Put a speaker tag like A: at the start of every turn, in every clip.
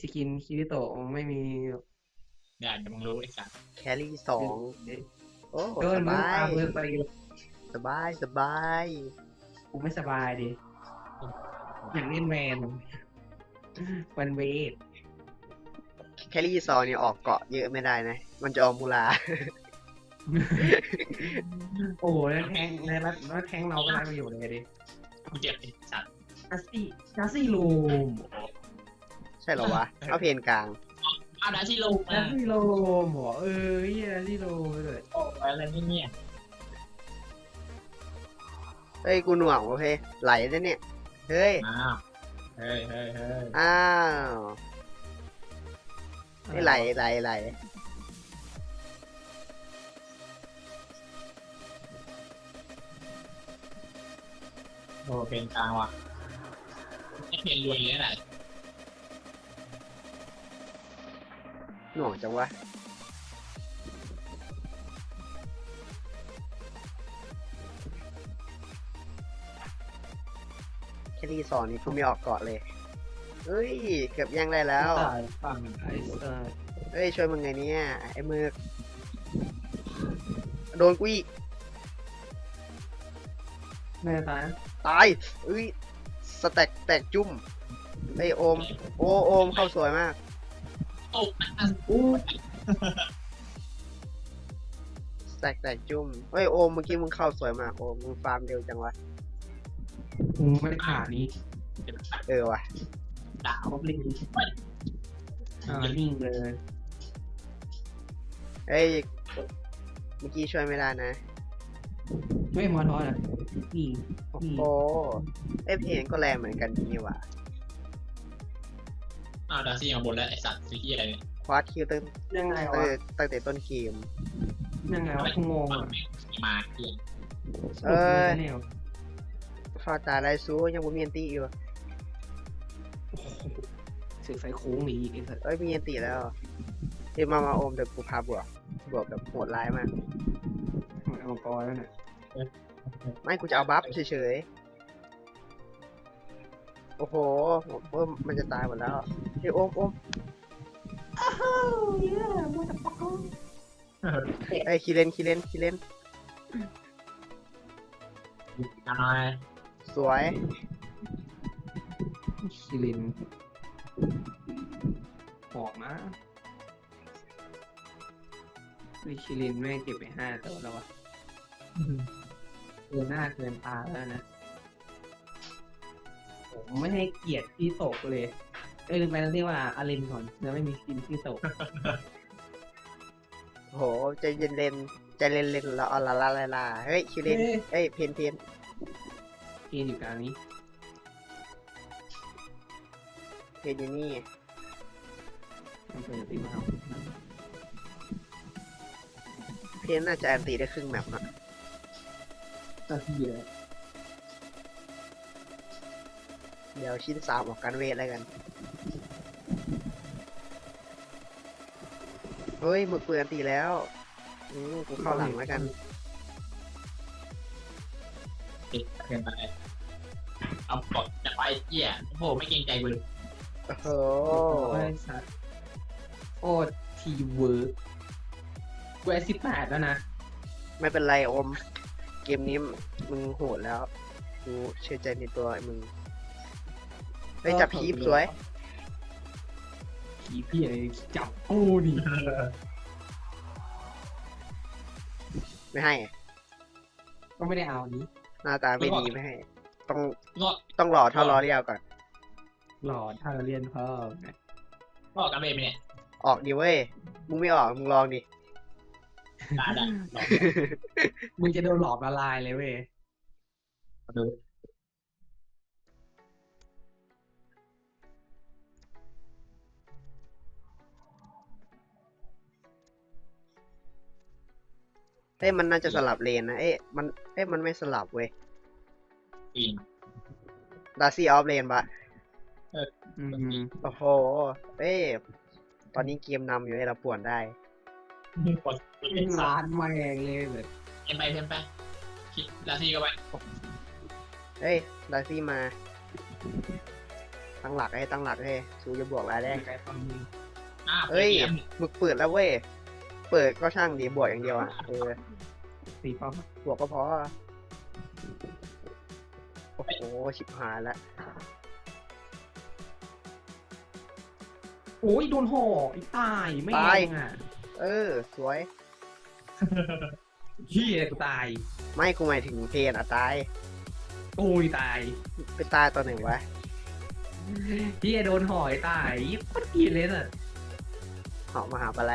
A: กินคิริโตะไม่มี
B: เดี๋ยวมึงรู้ไอ้สัส
C: แครี่สองโอ้
A: โดนมึง
C: สบาย
A: ปาเบิร์ไป
C: สบายสบาย
A: กูไม่สบายดิอยากเล่นแวนวันเวท
C: แครี่สองนี่ออกเกาะเยอะไม่ได้นะ มันจะออกมูลา
A: โอ้โหแล้วแทงแล้วแทงเราก็ได้ประโยชน์เลยดิ
B: กูเจ็บไอ้สัส
A: นาซี่ลูม
C: ใช่เหรอวะ เอาเพนกลาง
B: เอาดาที่ลง
A: นา
B: มา
A: ซี่ลูมหัวนาซี่ลูมเลย
B: โอ้อะไรนี่เนี่ย
C: เฮ้ย กูหน่วงโอเคไหลแล้วเนี่ย เฮ้ย
B: อ้าวเฮ้ยเฮ้ยเฮ้ย
C: อ้าวไม่ไหล
B: โอ้เป็นกลางว่ะไอ้เพลงรวยเลยแหละ
C: หน่วงจังวะ แครี่สองนี่กูไม่ออกเกาะเลย เฮ้ย เกือบยังได้แล้ว
A: ตายฝั่งไอ้สัส
C: เฮ้ย ช่วยมึงไงเนี่ยไอ้มือโดนกูอีก
A: แม่ตาย
C: ตายเอ้ย สแต็กแตกจุ่มไอ้ยโอม โอมเข้าสวยมาก
B: โอ้
A: อู้
C: สแต็กแตกจุ่มเฮ้ยโอมเมื่อกี้มึงเข้าสวยมากโอมมึงฟาร์มเร็วจังวะ
A: กูไม่ได้ขานี้
C: เออว่ะ
B: ดาว
A: ครบลิงนิ่งเลย
C: เฮ้ย เมื่อกี้ช่วยไม่ได้นะ
A: ไม่มอทอนะนี่
C: โอ้โหไอ้เพลงก็แรงเหมือนกันนี่ว่ะ
B: อ้าวดาซี่มาบนแล้วไอ้สัสซื้อที่อะไรเนี่ย
C: ควาดคิวตั้ง
A: ยังไง
C: ตั้ง
A: วะ
C: ตั้งแต่ต้นเกม
A: ยังไงวะกูงงอ่ะ
B: มาเพื่อน
C: เอ้ย
A: แนว
C: ฟาตาไรซูยังบ่มีอันตีอยู่
A: เสือกใส่โค้งหนีอีกไอ้สัส
C: เอ้ยมีอันตีแล้วเฮ้ยมาโอมเดี๋ยวกูพาบวกแบบโหดร้ายมาก
A: เอามังกรแล้วเนี่ย
C: ไม่กูจะเอาบัฟเฉยๆ โอ้โหมันจะตายหมดแล้วเฮ้ยโอมเอ้ยคีเลน
B: ทำไม
C: สวย
A: คิรินหอมนะวิคิรินแม่งเก็บไป5 ตัวแล้ววะเกินหน้าเกินตาแล้วนะผมไม่ให้เกียรติที่ตกเลยลืมไปแล้วที่ว่าอารินก่อนแล้วไม่มีสกินที่ตก
C: โหใจเย็นใจเล่นแล้วเอาลาเฮ้ยคิเลนเอ้ยเพน
A: เกนอยู่กลางนี้
C: อยู่นี่
A: มันเป็นตีมาเอา
C: เพนน่าจะอันตีได้ครึ่งแมปนะ
A: ตาที่เยอะ
C: เดี๋ยวชิ้น3ออกการเวทแล้วกัน เฮ้ยหมึกเปืนอันตีแล้วกูเข้าหลังแล้วกัน
B: ติดเกินไปเอากดจะไปเหี้ยโอ้โหไม่เกรงใจกูเลย
C: โอ้โห
A: โอ้ยสัตว์โอ้ทีเวิร์กกู18แล้วนะ
C: ไม่เป็นไรอม เกมนี้มึงโหดแล้ว กูเชื่อใจในตัวมึงเฮ้ยจับพีบสวย
A: ผีพี่อะไรจับกูดิ
C: ไม่ให้
A: ก็ไม่ได้เอาอันนี้
C: หน้าตาไม่ดีไม่ให้ ต้อง
B: งอก
C: ต้องรอเท่ารอเรียวก่อน
A: หลอดถ้าเราเรียนเพิ่มนะ
B: งอกกันเบรเนี่ย
C: ออกดิเว้ย มึงไม่ออก มึงลองดิ
B: ได้
A: มึงจะโดนหลอดละลายเลยเว้ย
B: ดู
C: เอ้ยมันน่าจะสลับเลนนะ มันไม่สลับเว้ย
B: ปีน
C: ดาซี่ออฟเลนปะ
A: อืม
C: โอ้โห เอ้ย ตอนนี้เกมนำอยู่ให้เราป่วนได้
B: กดเป็นสา
A: ร้านแม่งเลยแบบ
B: เอ็นไปคิดดาซี่ก็ไป
C: เฮ้ย ดาซี่มาตั้งหลักให้ตั้งหลักให้ซูจะบวกรายแรก
A: ไกลฟังมึง
C: เอ้ย
B: เกม
C: มึกเปิดแล้วเว้ย เปิดก็ช่างดีบวกอย่างเดียวอ่ะ
A: ตีป้อม
C: บวกก็พอ โอ้โห ชิบหายแล้ว
A: โอ้ยโดนห่อไอ้ตายไม่
C: ตาย
A: เองอ่ะ
C: สวย
A: เฮียกูตาย
C: ไม่กูหมายถึงเพนอ่ะตาย
A: โอ้ยตาย
C: ไปตายตอนไหนวะ
A: เฮียโดนห่อไอ้ตายโคตรเกลียดเลยน่ะ
C: เหาะมาหาอะไร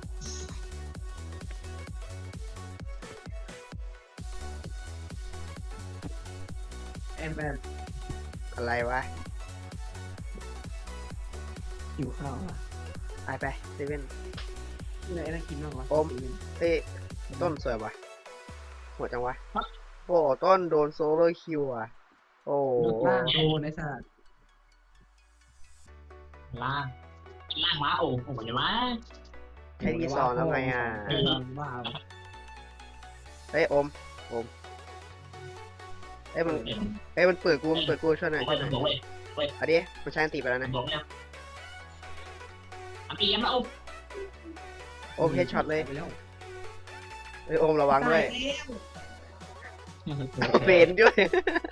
A: แอมแอม
C: อะไรวะ
A: หิวข้าวอ่ะ
C: ไปเซเว่น
A: ที่ไหนน่ากินบ้างวะ
C: อม เอ้ยต้นสวยวะหัวจังวะ โอ้ต้นโดนโซโล่คิวอ่ะ โอ้
A: ล่างโดนไอ้สัตว์
B: ล่างล่างม้าโอ้โหเดี๋ยวมา
C: แค่ที่สองแล้วไงอ่ะ
A: ว้าว
C: เอ้ยอมเอ้ยมันเอ้ยมันเปิดกูช่วยหน่อย
B: โอ้
C: ช่วย ยหน่อย
B: บอกเว้ย
C: เอาดิมันใช้อันติไปแล้วนะ
B: บอกเนี่ยอันตีกันแล้วโอ้
C: โอมเฮดช็อตเลย
A: ไปแล้ว
C: เอ้ยโอมระวังด้วย
A: ตาแล้ว
C: เบนด้วย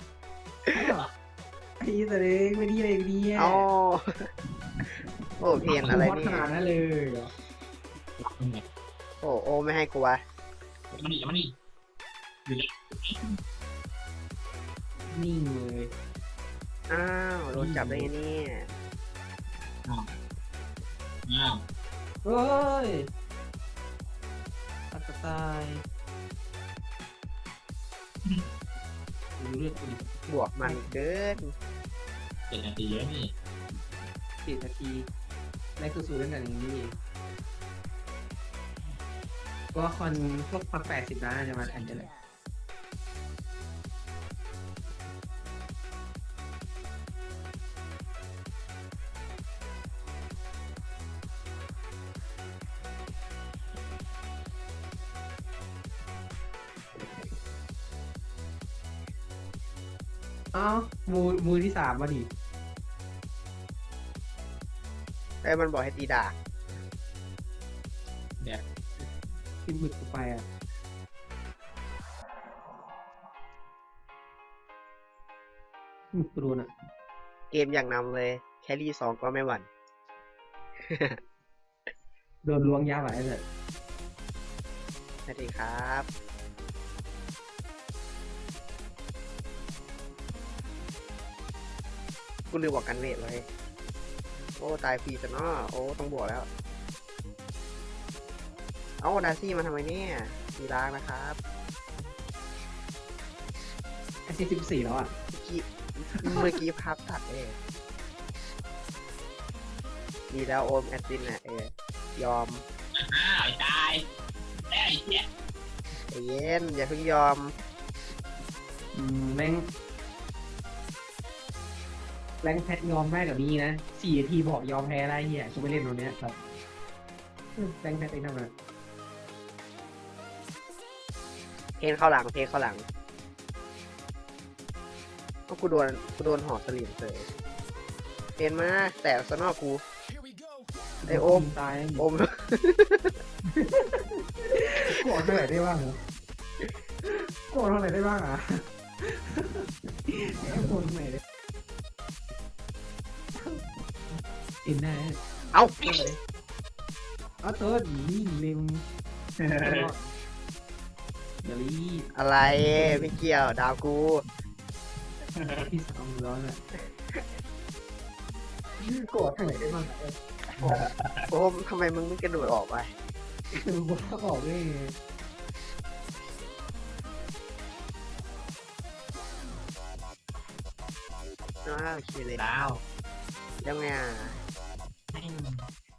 A: ไอ้สะเด็กไม่ดีเลยดีอ่ะ
C: เอาโอ้เพนอะไร
A: ฮอต
C: นี่
A: ขนาดนั้นเลยเหรอ
C: โอ้โอไม่ให้กูวะ
B: มันนี่มันนี่
A: นิ่งเลย
C: อ้าวโดนจับได้ไงเนี่ย
B: อ้าว
A: เฮ้ยอัตตายดูเลือดกูดิ
C: บวกมันเกิน
B: 7 นาทีแล้วนี่
A: 10 นาทีแรกสู้ๆเล่นกันอย่างนี้ก็คอนพวกพัก80ล้านจะมาแทนได้เลย อ้าวมือที่3มาดิ
C: ไอ้ยมันบอกให้ตีดาบ
A: ที่หมึกกูไปอ่ะหมึกกูโดนอ่ะ
C: เกมอย่างนำเลย แครี่2ก็ไม่หวั่น
A: โดนล้วงยาไหวเลย
C: สวัสดีครับ กูลืมบอกกันเวทไว้โอ้ตายฟรีซะเนาะโอ้ต้องบวกแล้ว เอ้าดาซี่มาทำไมเนี่ยมีล้างนะครับ
A: ไอ้14แล้วอ่ะ
C: เมื่อกี้ภาพตัดดีแล้วโอมแอดซินน่ะยอม
B: อ้าวตายแล้วไอ้เนี่ย
C: ใจเย็นอย่าเพิ่งยอม
A: แรงแพทยอมแพ้กับนี้นะ4 นาทีบอกยอมแพ้ได้เหี้ยกูไปเล่นตรงเนี้ยครับแรงแพทไอ้นั่นน่ะ
C: เพนเข้าหลังก็กูโดนหอกสลิมเลยเพนมาแต่สนอกกูไอโอม
A: ตาย
C: โอม
A: กดเท่าไหร่ได้บ้างกดเท่าไหร่ได้บ้างอ่ะกดเท่าไหร่ได้อินได้
C: เอา
A: เอาเติร์ดยิงเร็วอย่ารีบ
C: อะไรไม่เกี่ยวดาวกู
A: ที่2ร้อนอ่ะกดเท่าไหร่ได้บ้าง
C: โอมทำไมมึงไม่กระโดดออกไป
A: คือว่าออกได้ไง
C: อ้าวคิดเลย
B: ดาว
C: ยังไงอ่ะ
B: แม่ง